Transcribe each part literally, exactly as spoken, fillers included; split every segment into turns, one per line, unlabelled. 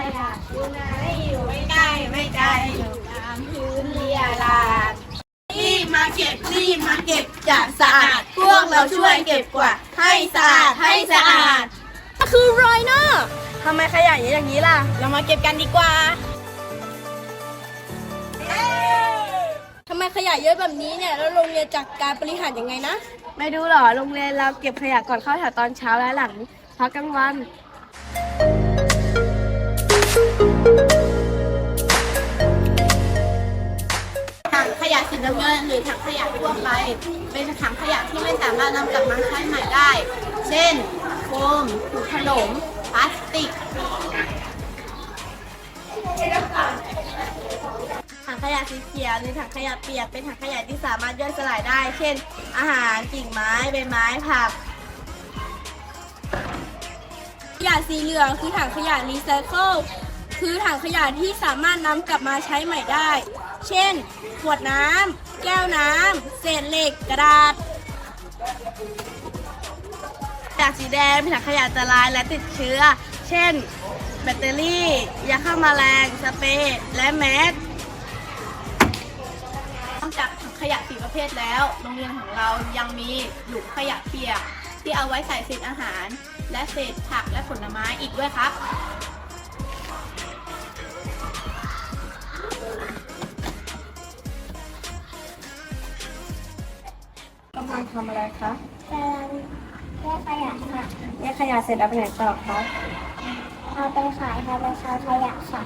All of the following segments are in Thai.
ยะอยู่ไหนอยู่ไม่ใกล้ไม่ไกลอยู่ตามพื้นเรียราดรีบมาเก็บรีบมาเก็บจะสะอาดพวกเราช่วยเก็บกวาดให้สะอาดให้สะอาด
คือรอยเนอร์ทำไมขยะเยอะอย่างนี้ล่ะเรามาเก็บกันดีกว่าทำไมขยะเยอะแบบนี้เนี่ยแล้วโรงเรียนจัดการบริหารยังไงนะไม่ดูหรอโรงเรียนเราเก็บขยะก่อนเข้าแถวตอนเช้าและหลังพักกลางวัน
ถังขยะสีน้ำเงินหรือถังขยะทั่วไปเป็นถังขยะที่ไม่สามารถนำกลับมาใช้ใหม่ได้เช่นโฟมถุงขนมพลาสติก
ถังขยะสีเขียวหรือถังขยะเปียกเป็นถังขยะที่สามารถย่อยสลายได้เช่นอาหารกิ่งไม้ใบไม้ผักขยะสีเหลืองคือถังขยะรีไซเคิลคือถังขยะที่สามารถนำกลับมาใช้ใหม่ได้เช่นขวดน้ำแก้วน้ำเศษเหล็กกระดาษขยะสีแดงเป็นถังขยะอันตรายและติดเชื้อเช่นแบตเตอรี่ยาฆ่าแมลงสเปรย์และแมส
นอกจากถังขยะสีประเภทแล้วโรงเรียนของเรายังมีหลุมขยะเปียกที่เอาไว้ใส่เศษอาหารและเศษผักและผลไม้อีกด้วยครับ
กำลังทำอะไรคะ
กำลังแยกขยะค่ะ
แยกขยะเสร็จแล้วไปไหนต่อคะ
เอาไปขายค่ะไปขายขยะค่ะ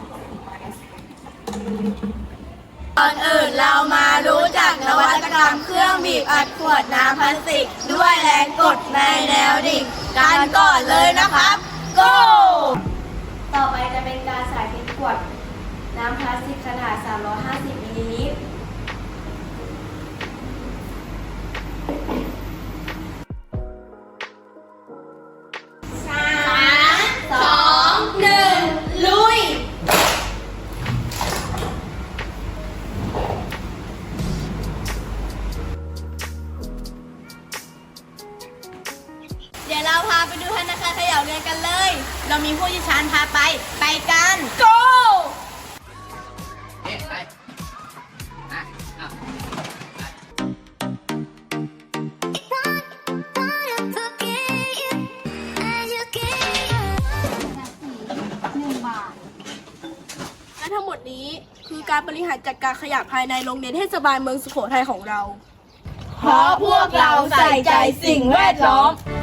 ก่อนอื่นเรามารู้จักนวัตกรรมเครื่องบีบอัดขวดน้ำพลาสติกด้วยแรงกดในแนวดิ่งกันก่อนเลยนะครับ go
ต่อไปจะเป็นการสาธิตขวดน้ำพลาสติกขนาดสามร้อยห้าสิบมิลลิลิตร
สามสองหนึ่งลุยเดี๋ยวเราพาไปดูธนาคารขยะเรียนกันเลย เรามีผู้เชี่ยวชาญพาไป ไปกัน go
และทั้งหมดนี้คือการบริหารจัดการขยะภายในโรงเรียนเทศบาลเมืองสุโขทัยของเรา
เพราะพวกเราใส่ใจสิ่งแวดล้อม